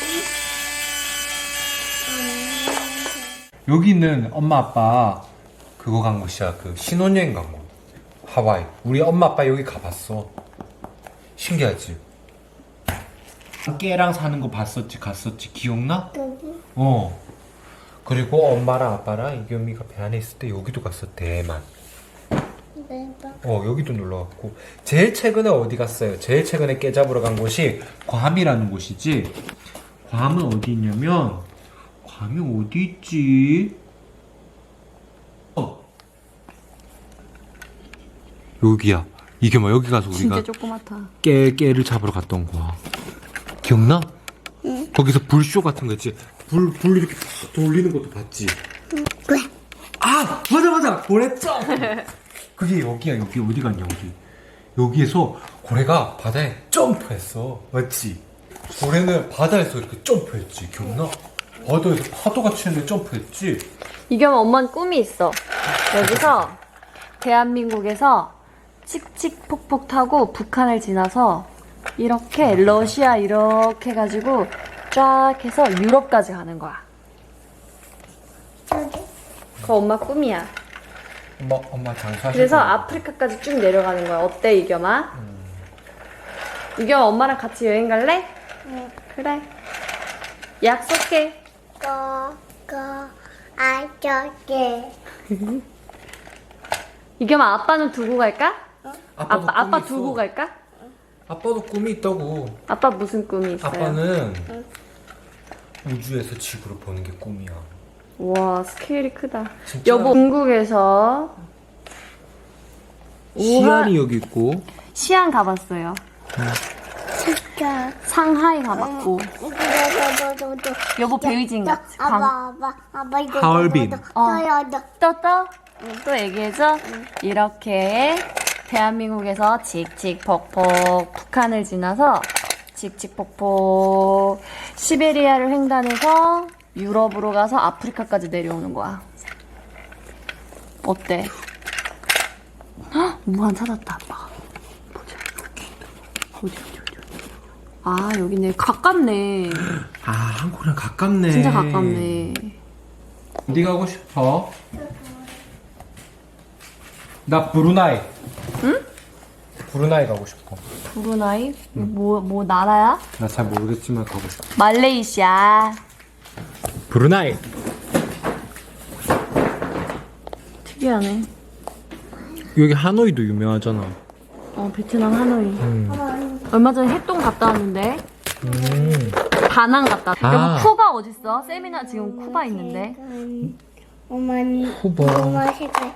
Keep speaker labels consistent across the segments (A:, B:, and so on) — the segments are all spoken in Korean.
A: 여기는 엄마 아빠 그거 간 곳이야. 그 신혼여행 간 곳. 하와이. 우리 엄마 아빠 여기 가봤어. 신기하지? 깨랑 사는 거 봤었지, 갔었지. 기억나? 어. 그리고 엄마랑 아빠랑 이겸이가 배 안에 있을 때 여기도 갔어. 대만. 여기도 놀러 갔고. 제일 최근에 어디 갔어요? 제일 최근에 깨 잡으러 간 곳이 괌이라는 곳이지. 괌은 어디 있냐면, 괌이 어디 있지? 여기야. 이게 뭐 여기 가서 우리가
B: 진짜 조그맣다.
A: 깨를 잡으러 갔던 거야. 기억나? 응. 거기서 불쇼 같은 거 있지? 불 이렇게 탁 돌리는 것도 봤지?
C: 왜?
A: 아! 맞아! 고래점! 그게 여기야. 여기 어디 갔냐 여기. 여기에서 고래가 바다에 점프했어. 맞지? 고래는 바다에서 이렇게 점프했지. 기억나? 바다에서 파도가 치는데 점프했지?
B: 이겸 엄마는 꿈이 있어. 여기서 대한민국에서 칙칙폭폭 타고 북한을 지나서 이렇게 러시아 이렇게 해가지고 쫙 해서 유럽까지 가는 거야.
C: 저기.
B: 그거 엄마 꿈이야.
A: 엄마 장사하실
B: 그래서
A: 거야.
B: 아프리카까지 쭉 내려가는 거야. 어때 이겸아? 이겸 엄마랑 같이 여행 갈래?
C: 응.
B: 그래. 약속해.
C: 저게.
B: 이겸아 아빠는 두고 갈까?
A: 아빠도
B: 아빠
A: 꿈이
B: 두고
A: 있어.
B: 갈까?
A: 아빠도 꿈이 있다고.
B: 아빠 무슨 꿈이 있어요?
A: 아빠는 우주에서 지구를 보는 게 꿈이야.
B: 와 스케일이 크다.
A: 진짜?
B: 여보 중국에서
A: 시안이 여기 있고.
B: 시안 가봤어요.
C: 진짜.
B: 상하이 가봤고. 여보 베이징 갔지.
C: 아빠 이거.
A: 하얼빈.
B: 또 얘기해줘. 이렇게 대한민국에서 칙칙폭폭 북한을 지나서 칙칙폭폭 시베리아를 횡단해서 유럽으로 가서 아프리카까지 내려오는 거야. 어때? 헉, 무한 찾았다 아빠가. 보자. 어디. 아 여기네. 가깝네.
A: 아, 한국이랑 가깝네.
B: 진짜 가깝네.
A: 어디 가고 싶어? 나 브루나이.
B: 응?
A: 브루나이 가고 싶어.
B: 브루나이? 뭐 나라야?
A: 나 잘 모르겠지만 가고 싶어.
B: 말레이시아.
A: 브루나이.
B: 특이하네.
A: 여기 하노이도 유명하잖아.
B: 베트남 하노이. 얼마 전에 해동 갔다 왔는데. 다낭 갔다 왔다.
A: 아.
B: 여보 쿠바 어딨어? 세미나 지금 쿠바 있는데.
A: 쿠바.
C: 엄마 색깔.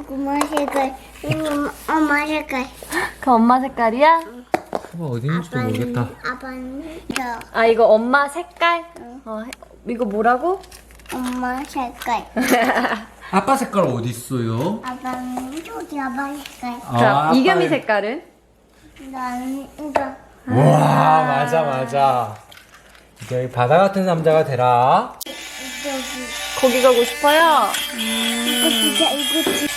B: 그 엄마 색깔이야?
A: 쿠바 어디 있는지도 모르겠다.
C: 아빠는 저.
B: 아 이거 엄마 색깔? 이거 뭐라고?
C: 엄마 색깔.
A: 아빠 색깔 어디 있어요?
C: 아빠는 저기 아빠 색깔.
B: 자, 이겸이 색깔은?
C: 나는 이거.
A: 와, 맞아. 이게 바다 같은 남자가 되라.
C: 저기.
B: 거기 가고 싶어요?
C: 이거 진짜.